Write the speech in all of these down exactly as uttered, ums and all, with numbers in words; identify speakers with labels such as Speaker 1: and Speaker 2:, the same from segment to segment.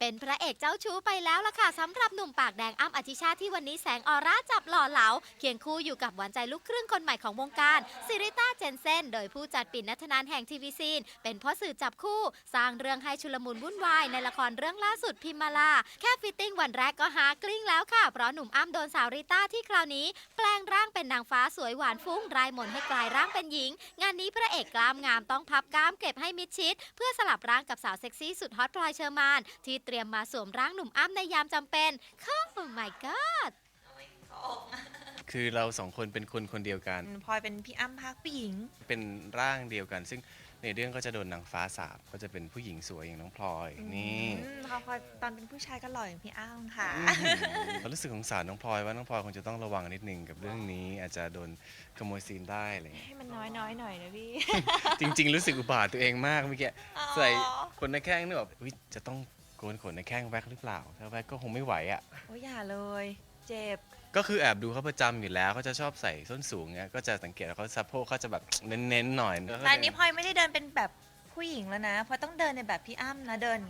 Speaker 1: เป็นพระเอกเจ้าชู้ไปแล้วล่ะค่ะสำหรับหนุ่มปากแดงอ้ำอธิชาติที่วันนี้แสงออร่าจับหล่อเหลาเคียงคู่อยู่กับหวานใจลูกครึ่งคนใหม่ของวงการซิริต้าเจนเซนโดยผู้จัดปิ่นนัทนานแห่งทีวีซีนเป็นพ่อสื่อจับคู่สร้างเรื่องให้ชุลมุนวุ่นวายในละครเรื่องล่าสุดพิมมาลาแค่ฟิตติ้งวันแรกก็หากลิ้งแล้วค่ะเพราะหนุ่มอ้ำโดนสาวริต้าที่คราวนี้แปลงร่างเป็นนางฟ้าสวยหวานฟุ้งรายมนให้กลายร่างเป็นหญิงงานนี้พระเอกกล้ามงามต้องพับกล้ามเก็บให้มิดชิดเพื่อสลับร่างกับสาวเซ็กซี่สุดฮอตพลอยเชอร์มานที่เตรียมมาสวมร่างหนุ่มอ้ำในยามจำเป็นโอ้ my god
Speaker 2: คือเราสองคนเป็นคนคนเดียวกัน
Speaker 3: พลอยเป็นพี่อ้ำพักผู้หญิง
Speaker 2: เป็นร่างเดียวกัน ซึ่งในเรื่องก็จะโดนนางฟ้าสาบก็จะเป็นผู้หญิงสวยอย่างน้องพลอยนี่
Speaker 3: อืมพอพลอยตอนเป็นผู้ชายก็หล่ออย่างพี่อ้ำค่ะ
Speaker 2: เรารู้สึกสงสารน้องพลอยว่าน้องพลอยคงจะต้องระวังนิดนึงกับเรื่องนี้ อาจจะโดนขโมยซีนได้อะไรอย่างเงี้ย
Speaker 3: ให้มันน้อยน้อยๆหน่อยนะพี่
Speaker 2: จริง ๆ รู้สึกอุบาทตัวเองมากเมื่อกี้
Speaker 3: อ๋อ
Speaker 2: ใส่ขนหน้าแข้งนึกแบบอุ๊ยจะต้องโกนขนหน้าแข้งแว็กหรือเปล่าถ้าแว็กก็คงไม่ไหวอ่ะ
Speaker 3: โอ้ยอย่าเลย เจ็บ
Speaker 2: ก็คือแอบดูเขาประจำอยู่แล้วเขาจะชอบใส่ส้นสูงเงี้ยก็จะสังเกตว่าเขาสะโพกเขาจะแบบเน้นๆหน่อย
Speaker 3: แต่อันนี้พลอยไม่ได้เดินเป็นแบบผู้หญิงแล้วนะพลอยต้องเดินในแบบพี่อ้ำนะเดิน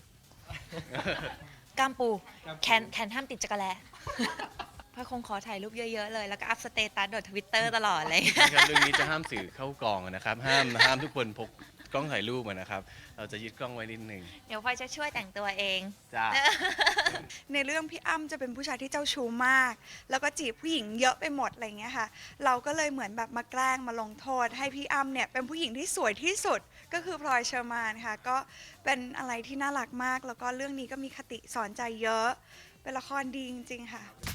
Speaker 3: กล้ามปู แขนแขนห้ามติดจักรแล พลอยคงขอถ่ายรูปเยอะๆเลย แล้วก็อัพสเตตัสโดดทวิตเตอร์ตลอดเลย
Speaker 2: นะครับเรื่องนี้จะห้ามสื่อเข้ากองนะครับ ห้ามห้ามทุกคนพกกล้องถ่ายรูปมานะครับ เราจะยึดกล้องไว้นิดนึง
Speaker 3: เดี๋ยวพลอยจะช่วยแต่งตัวเอง
Speaker 2: จ้า
Speaker 4: ในเรื่องพี่อ้ำจะเป็นผู้ชายที่เจ้าชู้มาก แล้วก็จีบผู้หญิงเยอะไปหมดอะไรเงี้ยค่ะ เราก็เลยเหมือนแบบมาแกล้งมาลงโทษ ให้พี่อ้ำเนี่ยเป็นผู้หญิงที่สวยที่สุดก็คือพลอยเชอร์มานค่ะ ก็เป็นอะไรที่น่ารักมาก แล้วก็เรื่องนี้ก็มีคติสอนใจเยอะ เป็นละครดีจริงๆค่ะ